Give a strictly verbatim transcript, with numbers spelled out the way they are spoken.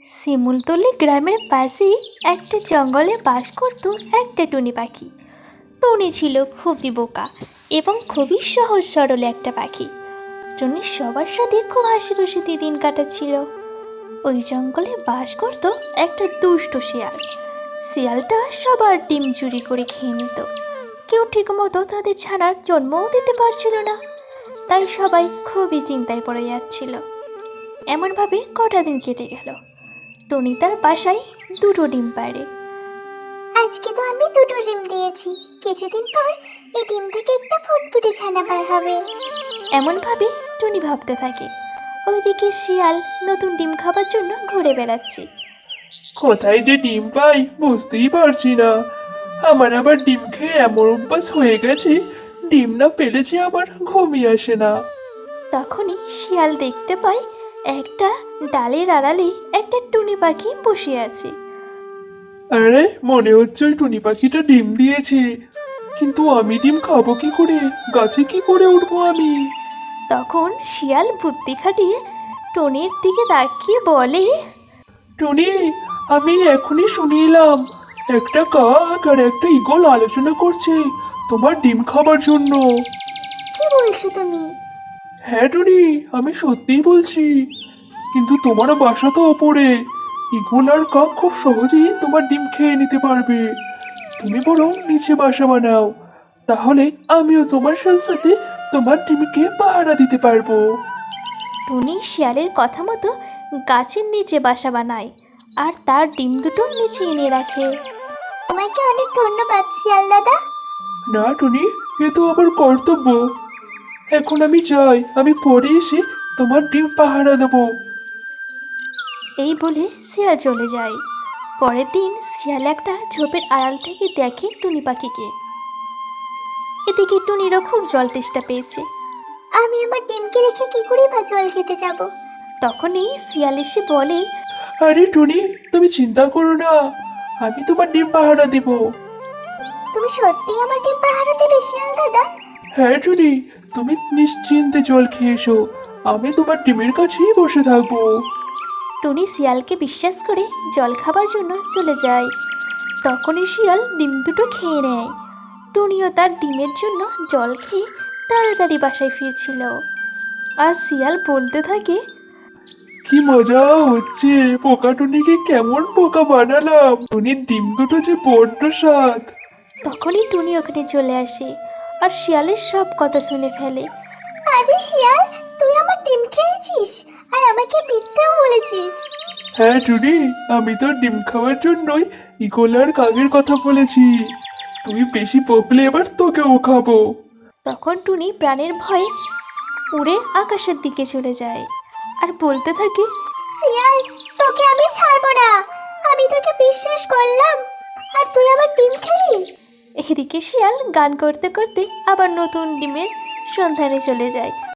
শিমুলতলি গ্রামের পাশেই একটা জঙ্গলে বাস করত একটা টুনি পাখি। টুনি ছিল খুবই বোকা এবং খুবই সহজ সরল একটা পাখি। টুনি সবার সাথে খুব হাসি খুশিতে দিন কাটাচ্ছিল। ওই জঙ্গলে বাস করত একটা দুষ্ট শিয়াল। শিয়ালটা সবার ডিম চুরি করে খেয়ে নিত। কেউ ঠিকমতো তাদের ছানার জন্মও দিতে পারছিল না, তাই সবাই খুবই চিন্তায় পড়ে যাচ্ছিল। এমনভাবে কটা দিন কেটে গেল। টুনি তার বাসায় দুটো ডিম পাড়ে। আজকে তো আমি দুটো ডিম দিয়েছি, কিছুদিন পর এই ডিম থেকে একটা ফুটফুটে ছানা বার হবে। এমনভাবে টুনি ভাবতে থাকে। ওইদিকে শিয়াল নতুন ডিম খাবার জন্য ঘুরে বেড়াচ্ছে। কোথায় যে ডিম পাই বুঝতেই পারছি না। আমার আবার ডিম খেয়ে এমন অভ্যাস হয়ে গেছে, ডিম না পেলে যে আমার ঘুমই আসে না। তখনই শিয়াল দেখতে পায় একটা ডালের আড়ালে একটা টুনি পাখি বসে আছে। আরে মনে হচ্ছে ওই টুনি পাখিটা ডিম দিয়েছে, কিন্তু আমি ডিম খাবো কি করে? গাছে কি করে উঠবো আমি? তখন শিয়াল বুদ্ধি খাটিয়ে টুনির দিকে তাকিয়ে বলে, টুনি, আমি এখনই শুনে এলাম একটা কাক আর একটা ঈগল আলোচনা করছে তোমার ডিম খাবার জন্য। কি বলছো তুমি? হ্যাঁ টুনি, আমি সত্যিই বলছি, কিন্তু তোমার বাসা তো ওপরে। ঈগল আর কাক খুব সহজেই তোমার ডিম খেয়ে নিতে পারবে। তুমি বরং নিচে বাসা বানাও, তাহলে আমিও তোমার সাথে সাথে তোমার ডিমকে পাহারা দিতে পারবো। টুনি শিয়ালের কথা মতো গাছের নিচে বাসা বানায় আর তার ডিম দুটো নিচে এনে রাখে। তোমাকে অনেক ধন্যবাদ শিয়াল দাদা। না টুনি, এ তো আমার কর্তব্য। এখন আমি যাই, আমি পরে এসে তোমার ডিম পাহারা দেবো। এই বলে শিয়াল চলে যায়। পরের দিন শিয়াল একটা ঝোপের আড়াল থেকে দেখে টুনি পাখিকে। এদিকে টুনিরও খুব জল তেষ্টা পেয়েছে। আমি আমার ডিমকে রেখে কি করে বা জল খেতে যাব? তখনই শিয়াল এসে বলে, আরে টুনি, তুমি চিন্তা করো না, আমি তোমার ডিম পাহারা দিব। তুমি সত্যি আমার ডিম পাহারা দেবে শিয়াল দাদা? হ্যাঁ টুনি, তুমি নিশ্চিন্তে জল খেয়ে এসো, আমি তোমার ডিমের কাছেই বসে থাকবো। টুনি শিয়ালকে বিশ্বাস করে জল খাবার জন্য চলে যায়। তখনই শিয়াল ডিম দুটো খেয়ে নেয়। টুনিও তার ডিমের জন্য জল খেয়ে তাড়াতাড়ি বাসায় ফিরছিল। আর শিয়াল বলতে থাকে, কি মজা হচ্ছে, পোকা টুনিকে কেমন বোকা বানালাম। টুনির ডিম দুটো যে বড্ড স্বাদ। তখনই টুনি ওখানে চলে আসে আর শিয়ালের সব কথা শুনে ফেলে। আজে শিয়াল, তুই আমার ডিম খেয়েছিস আর আমাকে মিথ্যেও বলেছিস। হ্যাঁ টুনি, আমি তোর ডিম খাওয়ার জন্যই ঈগল আর কাকের কথা বলেছি। তুই বেশি বকলে এবার তোকেও খাবো। তখন টুনি প্রাণের ভয়ে উড়ে আকাশের দিকে চলে যায় আর বলতে থাকে, শিয়াল, তোকে আমি ছাড়বো না। আমি তোকে বিশ্বাস করলাম আর তুই আমার ডিম খেলি। এদিকে শিয়াল গান করতে করতে আবার নতুন ডিমের সন্ধানে চলে যায়।